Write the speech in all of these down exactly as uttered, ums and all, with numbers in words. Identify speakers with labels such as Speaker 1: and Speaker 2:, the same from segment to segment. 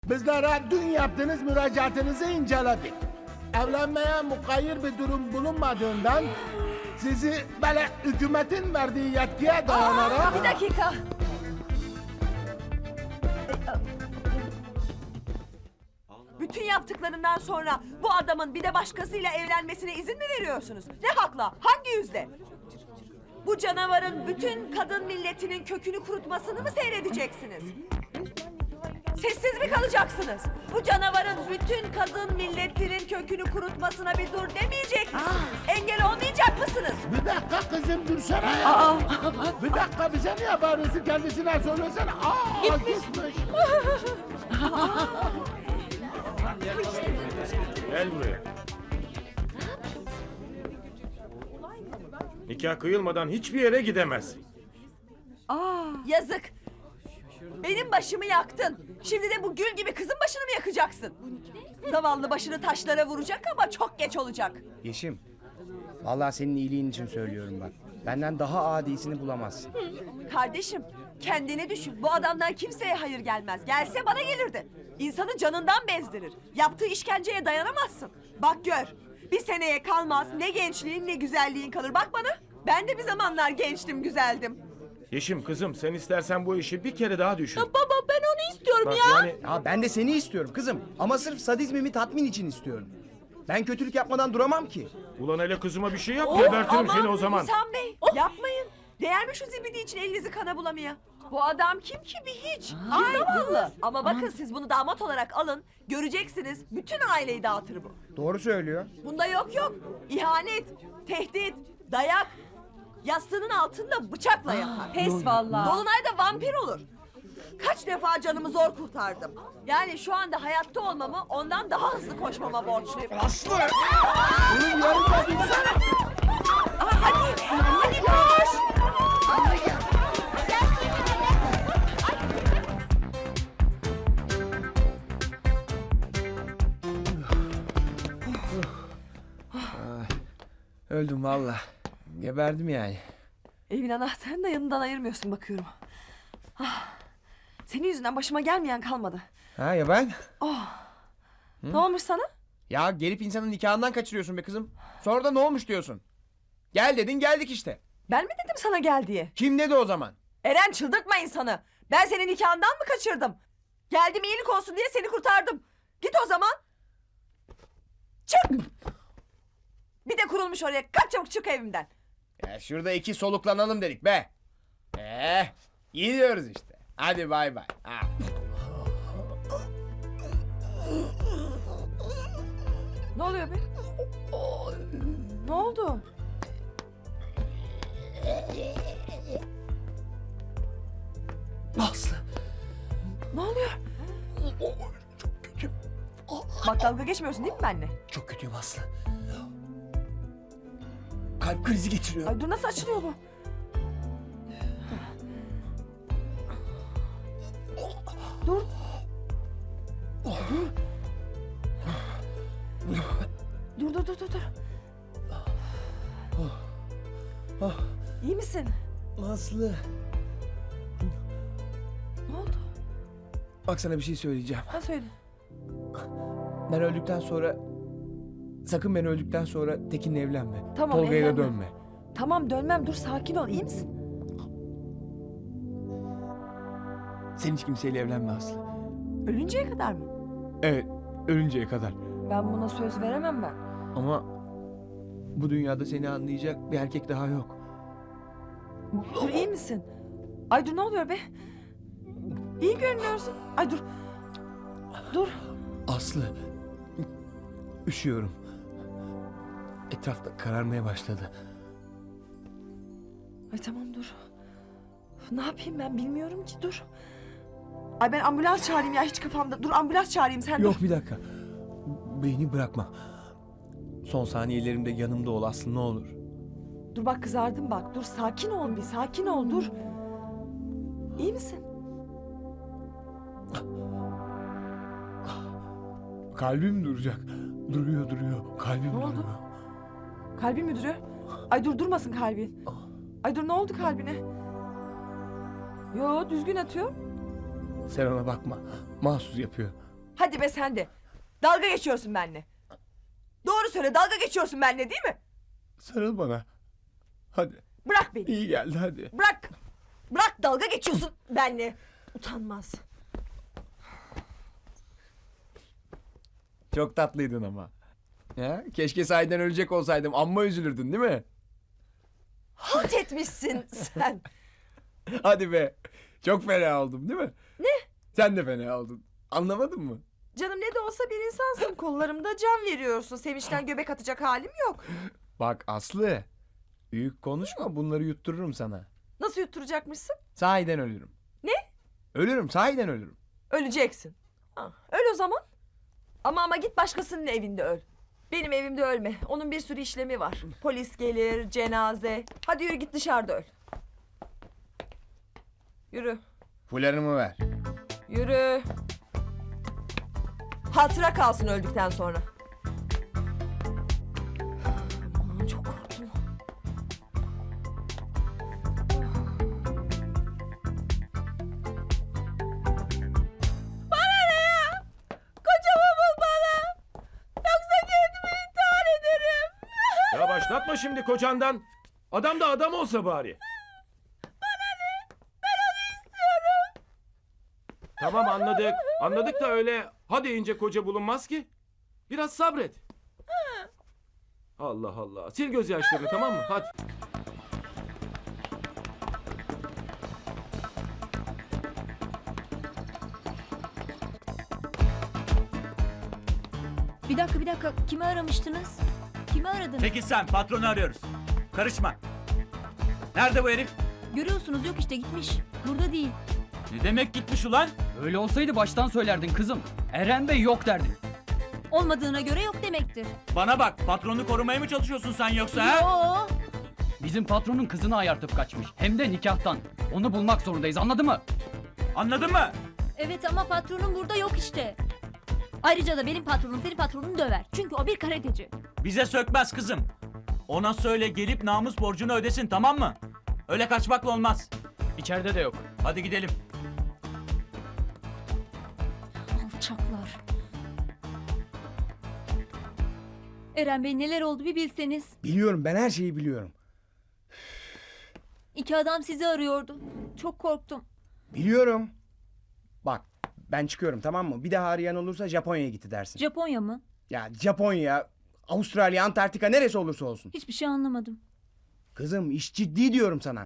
Speaker 1: Bizlere dün yaptığınız müracaatınızı inceledik. Evlenmeye mukayyir bir durum bulunmadığından sizi böyle hükümetin verdiği yetkiye dayanarak...
Speaker 2: Bir dakika. Bütün yaptıklarından sonra bu adamın bir de başkasıyla evlenmesine izin mi veriyorsunuz? Ne hakla? Hangi yüzde? Bu canavarın bütün kadın milletinin kökünü kurutmasını mı seyredeceksiniz? Sessiz mi kalacaksınız? Bu canavarın bütün kadın milletinin kökünü kurutmasına bir dur demeyecek misiniz? Engel olmayacak mısınız?
Speaker 1: Bir dakika kızım dursana ya.
Speaker 2: Aa!
Speaker 1: Bir dakika bize niye bağırıyorsun, kendisine söylesene. Aa gitmiş. gitmiş.
Speaker 3: Gel buraya. Nikah kıyılmadan hiçbir yere gidemez.
Speaker 2: Yazık. Benim başımı yaktın. Şimdi de bu gül gibi kızın başını mı yakacaksın? Zavallı başını taşlara vuracak ama çok geç olacak.
Speaker 4: Yeşim, vallahi senin iyiliğin için söylüyorum bak. Benden daha adisini bulamazsın.
Speaker 2: Kardeşim, kendini düşün. Bu adamdan kimseye hayır gelmez. Gelse bana gelirdi. İnsanı canından bezdirir. Yaptığı işkenceye dayanamazsın. Bak gör. Bir seneye kalmaz. Ne gençliğin ne güzelliğin kalır. Bak bana. Ben de bir zamanlar gençtim, güzeldim.
Speaker 3: Yeşim kızım sen istersen bu işi bir kere daha düşün.
Speaker 2: Baba ben onu istiyorum
Speaker 3: Bak
Speaker 2: ya.
Speaker 3: yani
Speaker 4: Ya ben de seni istiyorum kızım. Ama sırf sadizmimi tatmin için istiyorum. Ben kötülük yapmadan duramam ki.
Speaker 3: ulan hele kızıma bir şey yap
Speaker 2: Oh,
Speaker 3: gebertirim
Speaker 2: aman
Speaker 3: seni o zaman.
Speaker 2: Hüsam Bey, yapmayın. Değer mi şu zibidi için elinizi kana bulamaya? Bu adam kim ki bir hiç? Bir zavallı. Ama bakın siz bunu damat olarak alın. Göreceksiniz bütün aileyi dağıtır bu.
Speaker 4: Doğru söylüyor.
Speaker 2: Bunda yok yok. İhanet, tehdit, dayak. Yastığının altında bıçakla yatar. Pes vallahi. Dolunayda vampir olur. Kaç defa canımı zor kurtardım. Yani şu anda hayatta olmamı ondan daha hızlı koşmama borçluyum.
Speaker 4: Aslı!
Speaker 1: Bunun yanında dursana.
Speaker 2: Hadi, hadi koş.
Speaker 4: Öldüm vallahi. Geberdim yani.
Speaker 2: Evin anahtarını da yanından ayırmıyorsun bakıyorum. Ah, senin yüzünden başıma gelmeyen kalmadı.
Speaker 4: Ha ya ben?
Speaker 2: Ne olmuş sana?
Speaker 4: Ya gelip insanın nikahından kaçırıyorsun be kızım. Sonra da ne olmuş diyorsun. Gel dedin geldik işte.
Speaker 2: Ben mi dedim sana gel diye?
Speaker 4: Kim dedi o zaman?
Speaker 2: Eren çıldırtma insanı. Ben senin nikahından mı kaçırdım? Geldim iyilik olsun diye seni kurtardım. Git o zaman. Çık. Bir de kurulmuş oraya. Kaç çabuk çık evimden.
Speaker 4: Ya şurada iki soluklanalım dedik be. Eh, gidiyoruz işte. Hadi bay bay. Ha.
Speaker 2: Ne oluyor be? Ne oldu?
Speaker 4: Aslı.
Speaker 2: Ne oluyor? Bak dalga geçmiyorsun değil mi benimle?
Speaker 4: Çok kötüyüm Aslı. Kalp krizi geçiriyor.
Speaker 2: Ay dur nasıl açılıyor bu? Dur. Dur. Dur dur dur dur dur. İyi misin?
Speaker 4: Aslı.
Speaker 2: Ne oldu?
Speaker 4: Bak sana bir şey söyleyeceğim.
Speaker 2: Ha söyle.
Speaker 4: Ben öldükten sonra... Sakın ben öldükten sonra Tekin'le evlenme.
Speaker 2: Tamam,
Speaker 4: Tolga'ya da
Speaker 2: evlenmem.
Speaker 4: dönme.
Speaker 2: Tamam dönmem dur sakin ol iyi misin?
Speaker 4: Sen hiç kimseyle evlenme Aslı.
Speaker 2: Ölünceye kadar mı?
Speaker 4: Evet, ölünceye kadar.
Speaker 2: Ben buna söz veremem ben.
Speaker 4: Ama bu dünyada seni anlayacak bir erkek daha yok.
Speaker 2: Dur iyi misin? Ay dur ne oluyor be? İyi görünüyorsun. Ay dur. Dur.
Speaker 4: Aslı, üşüyorum. Etrafta kararmaya başladı.
Speaker 2: Ay tamam dur. Ne yapayım ben bilmiyorum ki dur. Ay ben ambulans çağırayım ya hiç kafamda. Dur ambulans çağırayım sen
Speaker 4: Yok
Speaker 2: dur.
Speaker 4: bir dakika. Beni bırakma. Son saniyelerimde yanımda ol Aslı ne olur.
Speaker 2: Dur bak kızardım bak. Dur sakin ol bir sakin ol dur. İyi misin?
Speaker 4: Kalbim duracak. Duruyor duruyor. Kalbim
Speaker 2: Ne oldu?
Speaker 4: duruyor.
Speaker 2: Kalbin mi duruyor? Ay dur durmasın kalbin. Ay dur ne oldu kalbine? Yo düzgün atıyor.
Speaker 4: Sen ona bakma. Mahsus yapıyor.
Speaker 2: Hadi be sen de. Dalga geçiyorsun benimle. Doğru söyle, dalga geçiyorsun benimle değil mi?
Speaker 1: Sarıl bana. Hadi.
Speaker 2: Bırak beni.
Speaker 1: İyi geldi hadi.
Speaker 2: Bırak. Bırak, dalga geçiyorsun benimle. Utanmaz.
Speaker 4: Çok tatlıydın ama. Ya, keşke sahiden ölecek olsaydım. Amma üzülürdün değil mi?
Speaker 2: Halt etmişsin sen.
Speaker 4: Hadi be. Çok fena oldum değil mi?
Speaker 2: Ne?
Speaker 4: Sen de fena oldun. Anlamadın mı?
Speaker 2: Canım ne de olsa bir insansın. Kollarımda can veriyorsun. Sevinçten göbek atacak halim yok.
Speaker 4: Bak Aslı. Büyük konuşma, bunları yuttururum sana.
Speaker 2: Nasıl yutturacakmışsın?
Speaker 4: Sahiden ölürüm.
Speaker 2: Ne?
Speaker 4: Ölürüm, sahiden ölürüm.
Speaker 2: Öleceksin. Ha, öl o zaman. Ama ama git başkasının evinde öl. Benim evimde ölme. Onun bir sürü işlemi var. Polis gelir, cenaze. Hadi yürü git dışarıda öl. Yürü.
Speaker 4: Fularımı ver.
Speaker 2: Yürü. Hatıra kalsın öldükten sonra. Aman, çok korktum. Bana ne ya? Kocamı bul bana. Yoksa kendimi intihar ederim.
Speaker 3: Ya başlatma şimdi kocandan. Adam da adam olsa bari. Tamam anladık. Anladık da öyle ha deyince koca bulunmaz ki. Biraz sabret. Allah Allah. Sil gözyaşlarını tamam mı? Hadi.
Speaker 5: Bir dakika bir dakika. Kimi aramıştınız? Kimi aradınız?
Speaker 6: Peki sen patronu arıyoruz. Karışma. Nerede bu herif?
Speaker 5: Görüyorsunuz yok işte gitmiş. Burada değil.
Speaker 6: Ne demek gitmiş ulan?
Speaker 7: Öyle olsaydı baştan söylerdin kızım. Eren Bey yok derdin.
Speaker 5: Olmadığına göre yok demektir.
Speaker 6: Bana bak, patronu korumaya mı çalışıyorsun sen yoksa ha?
Speaker 5: Yo.
Speaker 7: Bizim patronun kızını ayartıp kaçmış. Hem de nikahtan. Onu bulmak zorundayız, anladın mı?
Speaker 6: Anladın mı?
Speaker 5: Evet ama patronum burada yok işte. Ayrıca da benim patronum senin patronunu döver. Çünkü o bir karateci.
Speaker 6: Bize sökmez kızım. Ona söyle gelip namus borcunu ödesin, tamam mı? Öyle kaçmakla olmaz.
Speaker 7: İçeride de yok.
Speaker 6: Hadi gidelim.
Speaker 5: Alçaklar. Eren Bey neler oldu bir bilseniz.
Speaker 4: Biliyorum, ben her şeyi biliyorum.
Speaker 5: İki adam sizi arıyordu. Çok korktum.
Speaker 8: Biliyorum. Bak ben çıkıyorum tamam mı? Bir daha arayan olursa Japonya'ya gitti dersin.
Speaker 5: Japonya mı?
Speaker 8: Ya Japonya, Avustralya, Antarktika neresi olursa olsun.
Speaker 5: Hiçbir şey anlamadım.
Speaker 8: Kızım iş ciddi diyorum sana.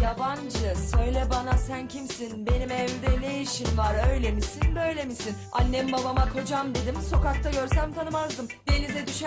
Speaker 2: yabancı, söyle bana sen kimsin? Benim evde ne işin var, öyle misin böyle misin? Annem babama kocam dedim, sokakta görsem tanımazdım. Denize düşen